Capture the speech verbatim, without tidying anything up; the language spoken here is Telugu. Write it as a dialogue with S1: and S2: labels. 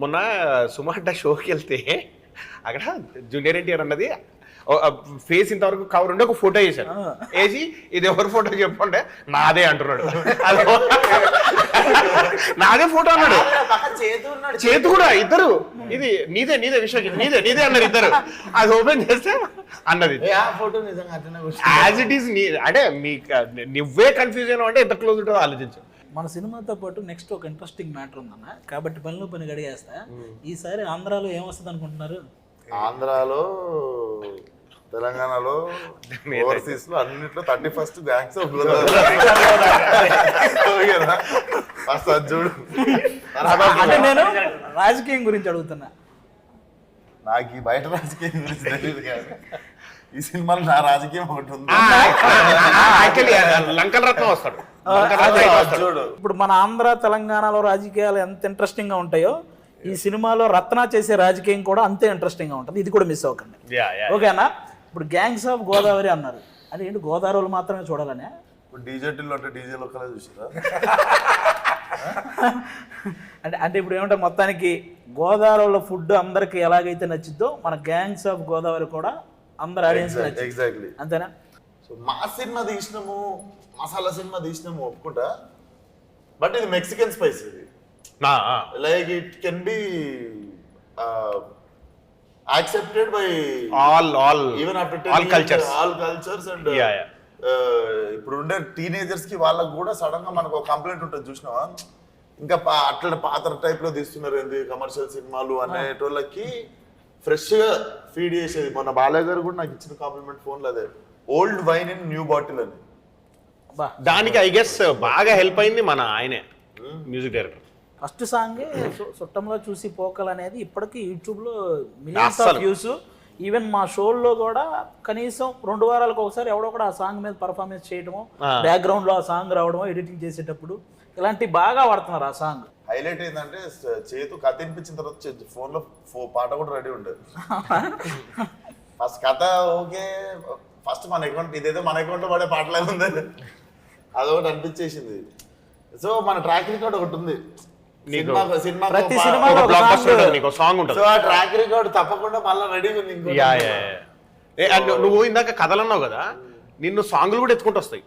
S1: మొన్న సుమార్ట షోకి వెళ్తే అక్కడ జూనియర్ ఎన్టీఆర్ అన్నది ఫేస్ ఇంతవరకు కవర్ ఉండి ఒక ఫోటో వేసాడు. వేసి ఇది ఎవరి ఫోటో చెప్పంటే నాదే అంటున్నాడు. అది నాదే ఫోటో అన్నాడు. చేతు కూడా ఇద్దరు ఇది నీదే నీదే విశ్వకి నీదే నీదే అన్నారు ఇద్దరు. అది ఓపెన్ చేస్తే అన్నది యాజ్ ఇట్ ఈస్ నీ అంటే మీ నువ్వే కన్ఫ్యూజ్ అయినా అంటే ఎంత క్లోజ్ ఉంటుందో ఆలోచించు.
S2: మన సినిమాతో పాటు నెక్స్ట్ ఒక ఇంట్రెస్టింగ్ మ్యాటర్ ఉందన్న, కాబట్టి పనిలో పని గడిగేస్తా. ఈసారి ఆంధ్రాలో ఏమొస్తుంది అనుకుంటున్నారు?
S3: ఆంధ్రాలో, తెలంగాణలో, ఓవర్సీస్ లో అన్నిట్లో థర్టీ ఫస్ట్ గ్యాంగ్స్ చూడు.
S2: అంటే నేను రాజకీయం గురించి అడుగుతున్నా.
S3: నాకు ఈ బయట రాజకీయం గురించి తెలియదు కానీ ఈ సినిమాలో నా రాజకీయం ఒకటి ఉంది.
S1: లంకల రత్నం వస్తాడు.
S3: చూడు
S2: ఇప్పుడు మన ఆంధ్ర తెలంగాణలో రాజకీయాలు ఎంత ఇంట్రెస్టింగ్ గా ఉంటాయో ఈ సినిమాలో రత్న చేసే రాజకీయం కూడా అంతే ఇంట్రెస్టింగ్ గా ఉంటుంది. ఇది కూడా మిస్ అవ్వకండి, ఓకేనా? ఇప్పుడు గ్యాంగ్స్ ఆఫ్ గోదావరి అన్నారు, అది ఏంటి గోదావరిలో మాత్రమే చూడాలనే?
S3: ఇప్పుడు డీజేటీలో అంటే డీజే లోకలే చూసారా?
S2: అంటే అంటే ఇప్పుడు ఏమంటే మొత్తానికి గోదావరిలో ఫుడ్ అందరికి ఎలాగైతే నచ్చిద్దో మన గ్యాంగ్స్ ఆఫ్ గోదావరి కూడా అందరు ఆడియన్స్
S3: ఎగ్జాక్ట్లీ
S2: అంతేనా?
S3: సో మా సినిమా తీసినాము, మసాలా సినిమా తీసినాము ఒప్పుకుంటా, బట్ ఇది మెక్సికన్ స్పైస్. ఇది like it can be accepted by
S1: all all
S3: even after
S1: all cultures
S3: all cultures and ఇప్పుడు ఉండే టీనేజర్స్ కి వాళ్ళకి కూడా సడన్ గా మనకు ఒక కంప్లైంట్ ఉంటుంది చూసినావా, ఇంకా అట్లా పాత టైప్ లో తీస్తున్నారు ఏంది కమర్షియల్ సినిమాలు అనేటోళ్ళకి ఫ్రెష్ గా ఫీడ్ చేసేది. మొన్న బాలయ్య గారు కూడా నాకు ఇచ్చిన కాంప్లిమెంట్ ఫోన్ లో అదే, old wine in new bottle అని.
S1: దానికి ఐ గెస్ బాగా హెల్ప్ అయింది మన ఆయనే మ్యూజిక్ డైరెక్టర్.
S2: ఫస్ట్ సాంగే చుట్టంలో చూసి పోకల్ అనేది ఇప్పటికీ యూట్యూబ్లో మిలియన్స్ ఆఫ్ వ్యూస్. ఈవెన్ మా షోల్లో కూడా కనీసం రెండు వారాలకు ఒకసారి ఎవడో కూడా ఆ సాంగ్ మీద పర్ఫార్మెన్స్ చేయడము, బ్యాక్గ్రౌండ్ లో ఆ సాంగ్ రావడము, ఎడిటింగ్ చేసేటప్పుడు ఇలాంటి బాగా వాడుతున్నారు. ఆ సాంగ్
S3: హైలైట్ ఏంటంటే చేతు కథ వినిపించిన తర్వాత ఫోన్ లో పాట కూడా రెడీ ఉండేది. ఫస్ట్ కథ ఓకే, ఫస్ట్ మన అకౌంట్ ఇదేదో మన అకౌంట్ లో పడే పాటలే ఉంది, అదొకటి అనిపించేసింది. సో మన ట్రాక్ రికార్డ్ ఒకటి ఉంది,
S2: ప్రతి సినిమాలో
S1: సాంగ్ ఉంటుంది.
S3: సో ఆ ట్రాక్ రికార్డ్ తప్పకుండా మళ్ళీ రెడీ ఉంది.
S1: నువ్వు ఇందాక కథలు అన్నావు కదా, నిన్ను సాంగ్లు కూడా ఎత్తుకుంటూ వస్తాయి.